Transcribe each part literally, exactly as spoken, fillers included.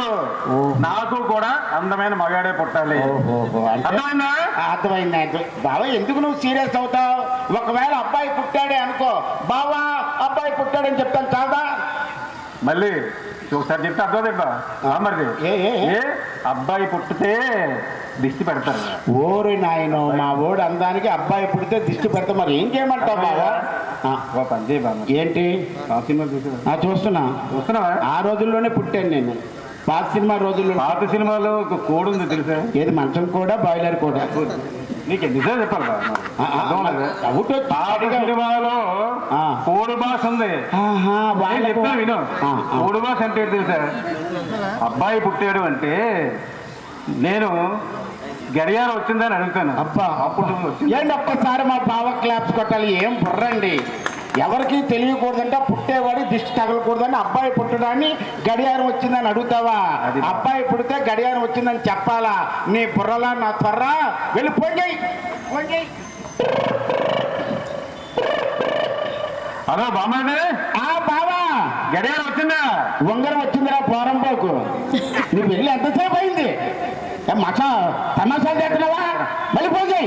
నాకు కూడా అందమైన మగాడే పుట్టాలి. అర్థమైందా? అర్థమైంది. బావా ఎందుకు నువ్వు సీరియస్ అవుతావు? ఒకవేళ అబ్బాయి పుట్టాడే అనుకో, బావా అబ్బాయి పుట్టాడని చెప్తాను కాదా? మళ్ళీ ఒకసారి చెప్తే అర్థమవుతుందా? మరి ఏ అబ్బాయి పుట్టితే దిష్టి పెడతారు. ఓరి నాయనో, మా ఓడి అందానికి అబ్బాయి పుడితే దిష్టి పెడతా. మరి ఏం చేయమంటావు బావా? ఏంటి చూస్తున్నా చూస్తున్నావా? ఆ రోజుల్లోనే పుట్టాను నేను. పాత సినిమా రోజుల్లో. పాత సినిమాలో ఒక కోడ్ ఉంది తెలుసా? ఏది? మంచం కూడా బాయిలర్ కూడా. నీకు నిజం చెప్పాలి. సినిమాలో కోడి భాష ఉంది. చెప్తాను విను. కోడి భాష అంటే తెలుసా? అబ్బాయి పుట్టాడు అంటే నేను గడియారం వచ్చిందని అడుగుతాను. అబ్బా అప్పుడు ఏంటి ఒక్కసారి మా బావ క్లాప్స్ కొట్టాలి. ఏం బుర్రండి, ఎవరికి తెలియకూడదంటే పుట్టేవాడి దిష్టి తగలకూడదని అబ్బాయి పుట్టడాన్ని గడియారం వచ్చిందని అడుగుతావా? అబ్బాయి పుడితే గడియారం వచ్చిందని చెప్పాలా? నీ బుర్రలా నా త్వర వెళ్ళి పోయి. హలో బామ్మాది. ఆ బావా గడియారం వచ్చిందా? ఉంగరం వచ్చిందిరా పోరంపోకు. నువ్వు వెళ్ళి ఎంతసేపు అయింది? మసా తమాషాలు చేస్తున్నావా? మళ్ళీ పోయి.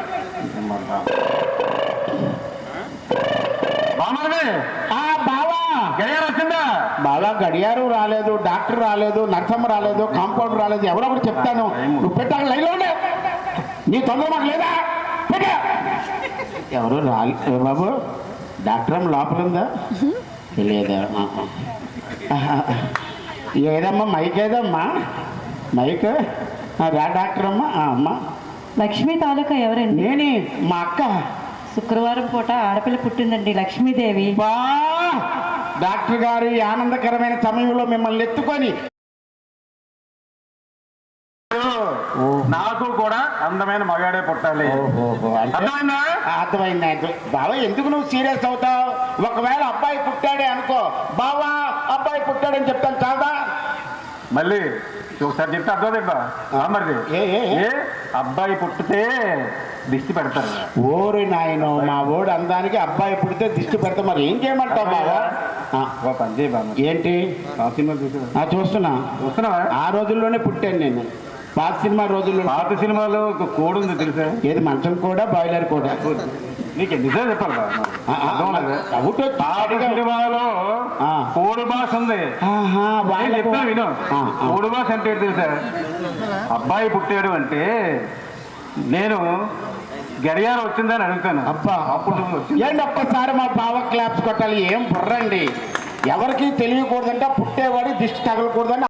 ఆ బావా గడియారం వచ్చిందా? బావా గడియారం రాలేదు, డాక్టర్ రాలేదు, నర్సమ్మ రాలేదు, కాంపౌండర్ రాలేదు, ఎవరో ఒకటి చెప్తాను. నువ్వు పెట్టాక లైన్లో ఉండే. నీ తొందర మాకు లేదా? పెట్టా. ఎవరు రాలేదు బాబు. డాక్టర్ అమ్మ లోపల ఉందా? తెలియదా? ఏదమ్మా మైక్? ఏదమ్మా మైక్? రా డాక్టర్ అమ్మ. అమ్మ లక్ష్మీ తాలూకా ఎవరండి? నేనే, మా అక్క. శుక్రవారం పూట ఆడపిల్ల పుట్టిందండి, లక్ష్మీదేవి. బా డాక్టర్ గారు ఈ ఆనందకరమైన సమయంలో మిమ్మల్ని ఎత్తుకొని నాకు కూడా అందమైన మగాడే పుట్టాలి. అర్థమైందా? అర్థమైంది. బావా ఎందుకు నువ్వు సీరియస్ అవుతావు? ఒకవేళ అబ్బాయి పుట్టాడే అనుకో, బావా అబ్బాయి పుట్టాడని చెప్తాను కాదా? మళ్ళీ ఒకసారి చెప్తే అర్థమవుతుందా? మరి ఏ అబ్బాయి పుట్టితే దిష్టి పెడతారు. ఓరి నాయనో, మా ఓడి అందానికి అబ్బాయి పుడితే దిష్టి పెడతా. మరి ఏం చేయమంటావు బావా? ఏంటి? చూస్తున్నా చూస్తున్నావా? ఆ రోజుల్లోనే పుట్టాను నేను. పాత సినిమా రోజుల్లో. పాత సినిమాలో ఒక కోడ్ ఉంది తెలుసా? ఏది? మంచం కూడా బాయిలర్ కూడా. నీకు నిజం చెప్పాలి. సినిమాలో కోడి భాష ఉంది. చెప్తాను విను. కోడి భాష అంటే తెలుసా? అబ్బాయి పుట్టాడు అంటే నేను గడియారం వచ్చిందని అడుగుతాను. అబ్బా అప్పుడు ఏంటి ఒక్కసారి మా బావ క్లాప్స్ కొట్టాలి. ఏం బుర్రండి, ఎవరికి తెలియకూడదంటే పుట్టేవాడి దిష్టి తగలకూడదని